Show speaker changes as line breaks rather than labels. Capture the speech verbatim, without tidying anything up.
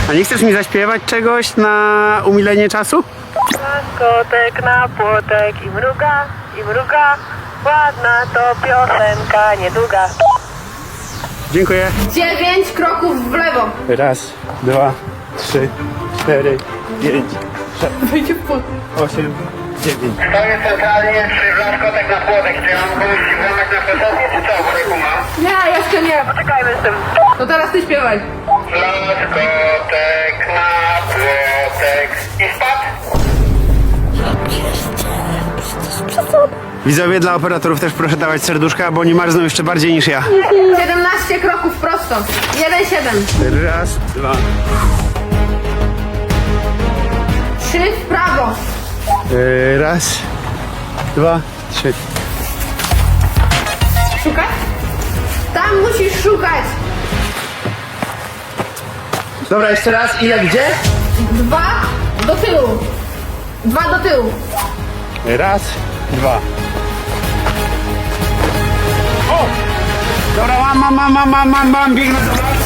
A nie chcesz mi zaśpiewać czegoś na umilenie czasu?
Kotek na płotek i mruga, i mruga. Ładna to piosenka, niedługa.
Dziękuję.
Dziewięć kroków w lewo.
Raz, dwa, trzy, cztery, pięć, sześć,
Wejdzie w płot.
osiem, dziewięć.
Stoję centralnie przy Blaszkotek na płotek. Czy ja mam komuś włamać na posesję, czy co? Wujku ma?
Nie, jeszcze nie.
Poczekajmy z tym.
To teraz ty śpiewaj.
Blaszkotek na płotek. I spadł?
Widzowie, dla operatorów też proszę dawać serduszka, bo oni marzną jeszcze bardziej niż ja.
siedemnaście kroków prosto. jeden siedem.
Raz, dwa,
trzy w prawo.
yy, raz, dwa, trzy.
Szukać? Tam musisz szukać.
Dobra, jeszcze raz. Ile, gdzie?
Dwa do tyłu. Dwa do tyłu.
Raz, dwa. O! Dobra, mam, mam, mam, mam, mam, mam, mam, biegnę, dobra.